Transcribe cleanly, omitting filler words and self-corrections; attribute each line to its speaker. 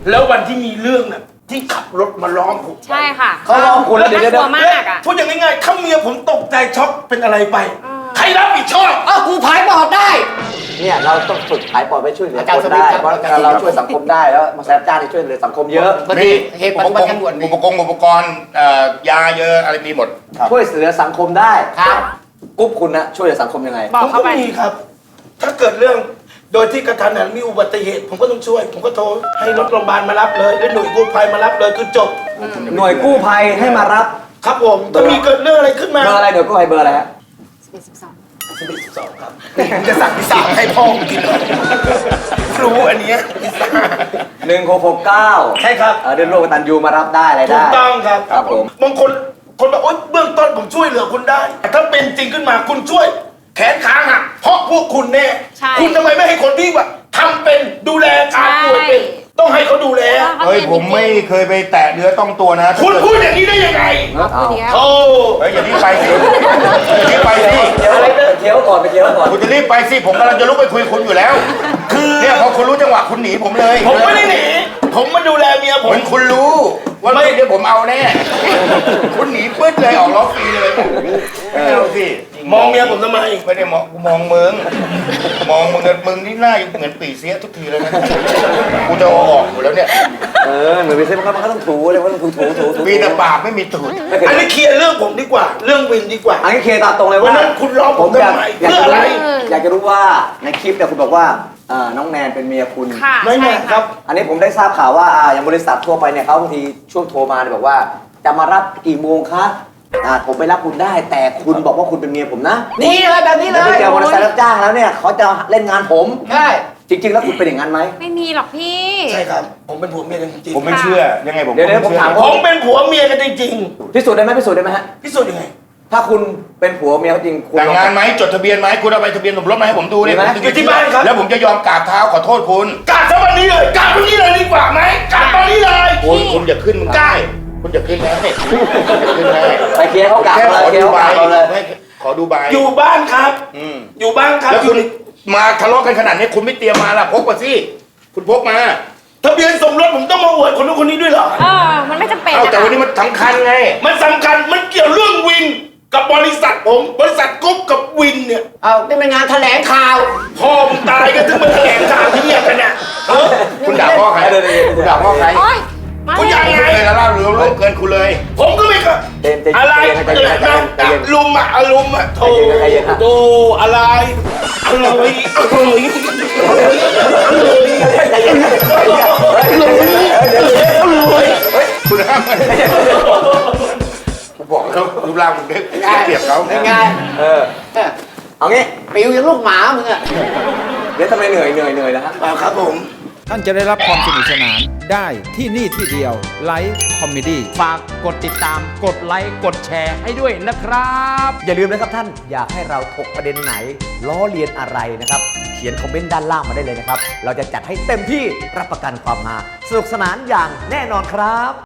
Speaker 1: แล้ววันที่มีเรื่องน่ะที่ขับรถมาล้อมผม
Speaker 2: ใช่ค่ะ
Speaker 3: เขาล้อมคุณแล้วเดี๋ยว
Speaker 2: น่ากลัวมากอ่ะ
Speaker 1: พูดอย่างง่ายๆถ้าเมียผมตกใจช็อกเป็นอะไรไปใครรับผิดชอบ
Speaker 3: กูผายปอดได้
Speaker 4: เนี่ยเราต้องฝึกผายปอดไปช่วยเหลือ
Speaker 3: อาจารย์
Speaker 4: คนได้
Speaker 3: สมิทธิ์ครับ
Speaker 4: เพราะเราช่วยสังคมได้แล้วมาแซมจ้างที่ช่วยเหลือสังคมเยอะ
Speaker 3: บางทีเหตุปัจจุบันตำรวจมี
Speaker 5: อุปกรณ์ยาเยอะอะไรมีหมด
Speaker 4: ช่วยเหลือสังคมได้
Speaker 3: ครับ
Speaker 4: กรุ๊ปคุณนะช่วยเหลือสังคมยังไง
Speaker 2: บอ
Speaker 1: ผ
Speaker 2: ก
Speaker 1: ม
Speaker 2: เขา
Speaker 1: ก็
Speaker 2: ไป
Speaker 1: มีครับ ถ้าเกิดเรื่องโดยที่กระทันหันมีอุบัติเหตุ ผมก็ต้องช่วย ผมก็โทรให้รถโรงพยาบาลมารับเลยแล้วหน่วยกู้ภัยมารับเลยคือจบ
Speaker 4: หน่วยกู้ภัยให้มารับ
Speaker 1: ครับผมถ้ามีเกิดเรื่องอะไรขึ้นมา
Speaker 4: เบอร์อะไรหน่วยกู้ภัยเบอร์อะไรฮะ
Speaker 1: 12ครับผมจะสั่งพิซซ่าให้พ่อผมกินเลยรู้อันเนี้ยพิซซ่า
Speaker 4: 1669
Speaker 1: ใช่ครับ
Speaker 4: เดินโลกกตัญญูมารับได้อะไร
Speaker 1: ถู
Speaker 4: ได้
Speaker 1: กต้องครับ
Speaker 4: ครับผม
Speaker 1: บางคนบอกโอ๊ยเบื้องต้นผมช่วยเหลือคุณได้แต่ถ้าเป็นจริงขึ้นมาคุณช่วย แขนขาหักเพราะพวกคุณแน่
Speaker 2: ใช่
Speaker 1: คุณทำไมไม่ให้คนที่ว่าทำเป็นดูแลการป่วยเป็นต้องให้เขาดูแล
Speaker 5: เฮ้ยผมไม่เคยไปแตะเนื้อต้องตัวนะ
Speaker 1: คุณพูดอย่างนี้ได้ยังไง
Speaker 4: เอา
Speaker 1: โอ้
Speaker 5: เฮ้ยอย่ารีบไปสิอย่ารีบไปสิ
Speaker 4: เดี๋ยวเคี้ยวก่อนไปเคี้ยวก่อน
Speaker 5: คุณจะรีบไปสิผมกำลังจะลุกไปคุยคุณอยู่แล้ว
Speaker 1: คือ
Speaker 5: เนี่ยพอคุณรู้จังหวะคุณหนีผมเลย
Speaker 1: ผมไม่ได้หนีผมมาดูแลเมียผ
Speaker 5: เหมื
Speaker 1: ม
Speaker 5: อนคุณรู้ว่าไม่เดี๋ยวผมเอาแน่คุณหนีปึ๊ดเลยออกล้อฟรีเลยไม่เอาสิ
Speaker 1: มองเมียผมทำไม
Speaker 5: ไม่ได้มองกูมองมึงมึงนี่หน้าเหมือนปีเสียทุกทีเลยนะกูจะเอาออกอยู่แล้วเนี่ย
Speaker 4: เหมือนไปเซ็นมันก็ต้องถูเลยว่าต้องถู
Speaker 5: มีแต่ปากไม่มีตูด
Speaker 1: อันนี้เคลียร์เรื่องผมดีกว่า เรื่องวินดีกว่า
Speaker 4: อันนี้เคลียร์ตามตรงเลย
Speaker 1: วั
Speaker 4: ว่าน
Speaker 1: นั้นคุณล้อผมทำไม
Speaker 4: อยาก
Speaker 1: เพื่อ
Speaker 4: จะ
Speaker 1: อะไร
Speaker 4: รู้อยากจะรู้ว่าในคลิปเนี่ยคุณบอกว่าน้องแนนเป็นเมียคุณ
Speaker 2: ค่ะ
Speaker 1: ไม่แน่
Speaker 2: ใช่
Speaker 1: ครับ
Speaker 4: อันนี้ผมได้ทราบข่าวว่าอย่างบริษัททั่วไปเนี่ยเขาบางทีช่วงโทรมาเนี่ยบอกว่าจะมารับกี่โมงคะผมไปรับคุณได้ แต่คุณบอกว่าคุณเป็นเมียผมนะ
Speaker 3: นี่เลยแบบนี้เล
Speaker 4: แล้วไป
Speaker 3: ย
Speaker 4: เจอมอเตอร์ไซค์รับจ้างแล้วเนี่ยเขาจะเล่นงานผม
Speaker 3: ใช่
Speaker 4: จริง ๆ แล้วคุณเป็นอย่างนั้นไหม
Speaker 2: ไม่มีหรอกพี่
Speaker 1: ใช่ครับ ผมเป็นผัวเมียกันจริง
Speaker 5: ผมไม่เชื่อยังไงผม
Speaker 4: เดี๋ยวผมถาม
Speaker 1: ๆผมเป็นผัวเมียกันจริง
Speaker 4: พิสูจน์ได้ไหมพิสูจน์ได้ไหมฮะ
Speaker 1: ๆพิสูจน์ยังไง
Speaker 4: ถ้าคุณเป็นผัวเมียเขาจริงคุณ
Speaker 5: แต่งงานไหมจดทะเบียนไหมคุณเอาใบทะเบียนสมรสมาให้ผมดูเนี่ย
Speaker 4: มีไหม
Speaker 5: ผมจะ
Speaker 1: อยู่ที่บ้านครับ
Speaker 5: แล้วผมจะยอมกราบเท้าขอโทษคุณ
Speaker 1: กราบซะวันนี้เลยกราบวันนี้เลยดีกว่าไหมกราบตอนนี้เลย
Speaker 5: คุณอย่าขึ้นมึงได้คุณอย่าขึ้นนะอย่าขึ้นนะ
Speaker 4: ไปเคลียร์เขากลับ
Speaker 5: แค่
Speaker 4: เล
Speaker 5: ข
Speaker 4: ย
Speaker 5: อ
Speaker 4: เคลีย
Speaker 5: ดู
Speaker 4: ร์เขา
Speaker 5: ใบ
Speaker 4: กลับเราเลย
Speaker 5: ขอดูใบ
Speaker 1: อยู่บ้านครับ
Speaker 5: อืม
Speaker 1: อยู่บ้านครับ
Speaker 5: แล้ว
Speaker 1: อ
Speaker 5: คุ
Speaker 1: ยู่
Speaker 5: ณมาทะเลาะกันขนาดนี้คุณไม่เตรียมมาล่ะพกมาสิคุณพกมา
Speaker 1: ทะเบียนสมรสผมต้องมาอวดคนนู้นคนนี้ด้วยเหรอ
Speaker 2: มันไม่จำเป็น
Speaker 5: เอ้า
Speaker 2: นะ
Speaker 5: แต่
Speaker 2: คะ
Speaker 5: วันนี้มันสำคัญไง
Speaker 1: มันสำคัญมันเกี่ยวเรื่องวินกับบริษัทผมบริษัทกรุ๊ปกับวินเนี่ย
Speaker 3: เอานี่เป็นงานแถลงข่าว
Speaker 1: พ่อมึงตายกันถึงมาแถลงข่าวที่เนี่ยกันเนี่ยเออ
Speaker 5: คุณด่าพ่อใครคุณด่าพ่อใคร
Speaker 2: โอ๊ยมา
Speaker 1: คุณอยาก
Speaker 2: เล
Speaker 1: ไง
Speaker 5: ไม่เคยละลาบหรือล่วงเกินคุณเลย
Speaker 1: ผมก็ไม่ก็
Speaker 4: เต็ม
Speaker 1: อะไร
Speaker 4: ใจเย็นใจเย็นใจเย็น
Speaker 1: ลุมอ่ะอารมณ์อ่ะโธ่
Speaker 4: ใจเย็นฮะ
Speaker 1: โธ่อะไรอะไร
Speaker 5: คุณห้ามผมบอกแล้วรูปร่างมึงได้เปรียบเขา
Speaker 3: เป็นไง
Speaker 4: เอางี้
Speaker 3: ปิวอย่างลูกหมามึงอะ
Speaker 4: เดี๋ยวทำไมเหนื่อยนะฮะ
Speaker 1: ครับผม
Speaker 6: ท่านจะได้รับความสนุกสนานได้ที่นี่ที่เดียวไลฟ์คอมเมดี้
Speaker 7: ฝากกดติดตาม กดไลค์ กดแชร์ให้ด้วยนะครับ
Speaker 4: อย่าลืมนะครับท่านอยากให้เราถกประเด็นไหน ล้อเลียนอะไรนะครับ เขียนคอมเมนต์ด้านล่างมาได้เลยนะครับ เราจะจัดให้เต็มที่รับประกันความฮาสนุกสนานอย่างแน่นอนครับ